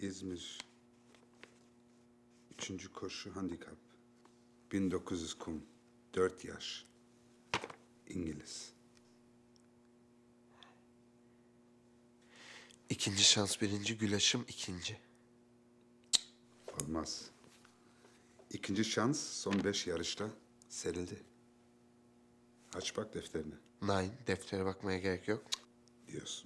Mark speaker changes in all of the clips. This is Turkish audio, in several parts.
Speaker 1: İzmir. 3. koşu handikap. 1900 kum. 4 yaş. İngiliz.
Speaker 2: İkinci şans birinci, Gülaş'ım ikinci.
Speaker 1: Olmaz. İkinci şans son 5 yarışta serildi. Aç bak defterine
Speaker 2: Nine, deftere bakmaya gerek yok.
Speaker 1: diyorsun.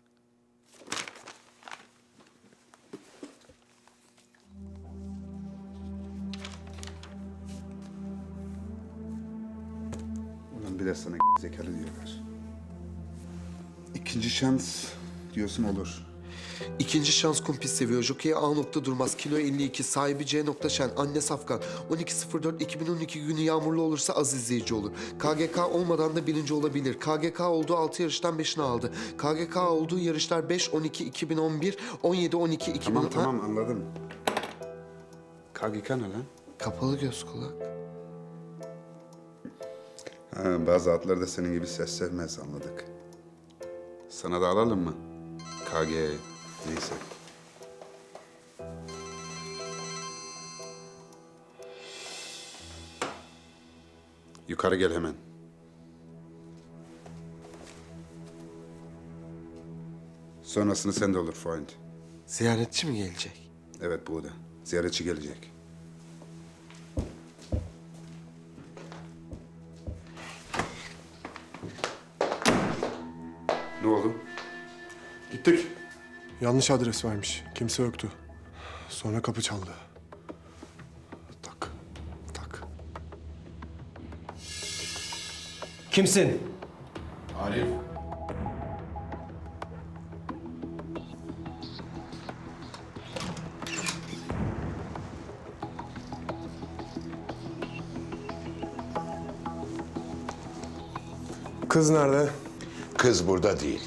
Speaker 1: Ulan bir de sana zekalı diyorlar. İkinci şans diyorsun olur.
Speaker 2: İkinci şans kumpis seviyor. Jockey A nokta durmaz. Kilo 52. Sahibi C nokta şen. Anne Safkan. 12.04.2012 günü yağmurlu olursa az izleyici olur. KGK olmadan da birinci olabilir. KGK olduğu 6 yarıştan 5'ini aldı. KGK olduğu yarışlar 5, 12, 2011, 17, 12, 2010...
Speaker 1: Tamam anladım. KGK ne lan?
Speaker 2: Kapalı göz kulak.
Speaker 1: Ha, bazı atlar da senin gibi ses sevmez anladık. Sana da alalım mı? KG neyse. Yukarı gel hemen. Sonrasını sen de olur Freund.
Speaker 2: Ziyaretçi mi gelecek?
Speaker 1: Evet bu da. Ziyaretçi gelecek. Ne oldu?
Speaker 3: Gittik. Yanlış adres vermiş. Kimse yoktu. Sonra kapı çaldı. Tak, tak.
Speaker 4: Kimsin?
Speaker 5: Arif.
Speaker 3: Kız nerede?
Speaker 5: Kız burada değil.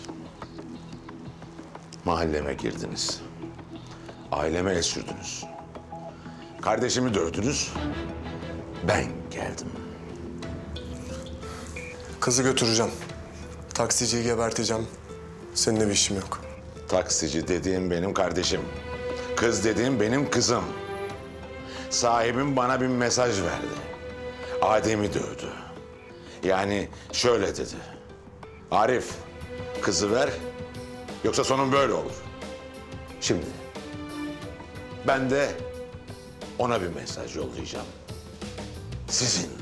Speaker 5: Mahalleme girdiniz. Aileme el sürdünüz. Kardeşimi dövdünüz. Ben geldim.
Speaker 3: Kızı götüreceğim. Taksiciyi geberteceğim. Seninle bir işim yok.
Speaker 5: Taksici dediğim benim kardeşim. Kız dediğim benim kızım. Sahibim bana bir mesaj verdi. Adem'i dövdü. Yani şöyle dedi. Arif, kızı ver, yoksa sonun böyle olur. Şimdi, ben de ona bir mesaj yollayacağım. Sizinle.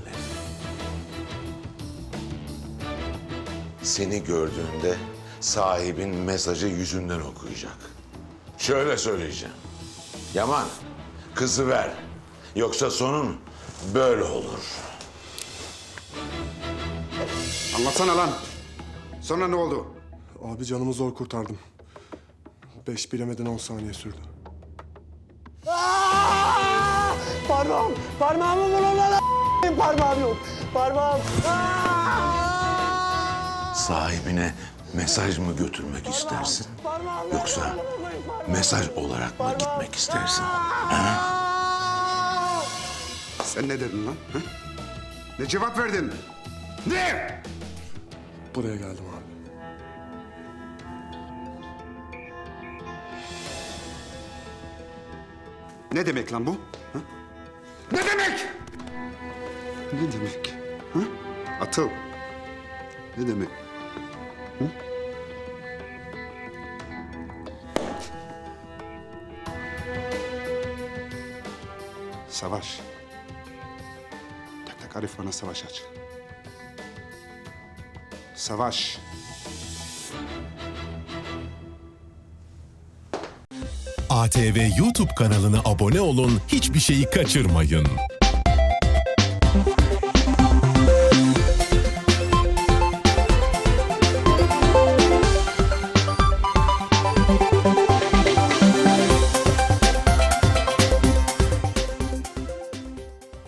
Speaker 5: Seni gördüğünde sahibin mesajı yüzünden okuyacak. Şöyle söyleyeceğim. Yaman, kızı ver, yoksa sonun böyle olur.
Speaker 1: Anlatsana lan. Sonra ne oldu?
Speaker 3: Abi canımı zor kurtardım. 5 bilemeden 10 saniye sürdü.
Speaker 4: Parmağım! Parmağımı bulun lan! Parmağım yok. Parmağım!
Speaker 5: Sahibine mesaj mı götürmek istersin? Yoksa mesaj olarak mı gitmek istersin?
Speaker 1: Sen ne dedin lan? Ha? Ne cevap verdin? Ne?
Speaker 3: Buraya geldim abi.
Speaker 1: Ne demek lan bu? Ha? Ne demek? Ne demek? Ha? Atıl. Ne demek? Hı? Savaş. Tak tak Arif bana savaş aç. Savaş.
Speaker 6: ATV YouTube kanalına abone olun, hiçbir şeyi kaçırmayın.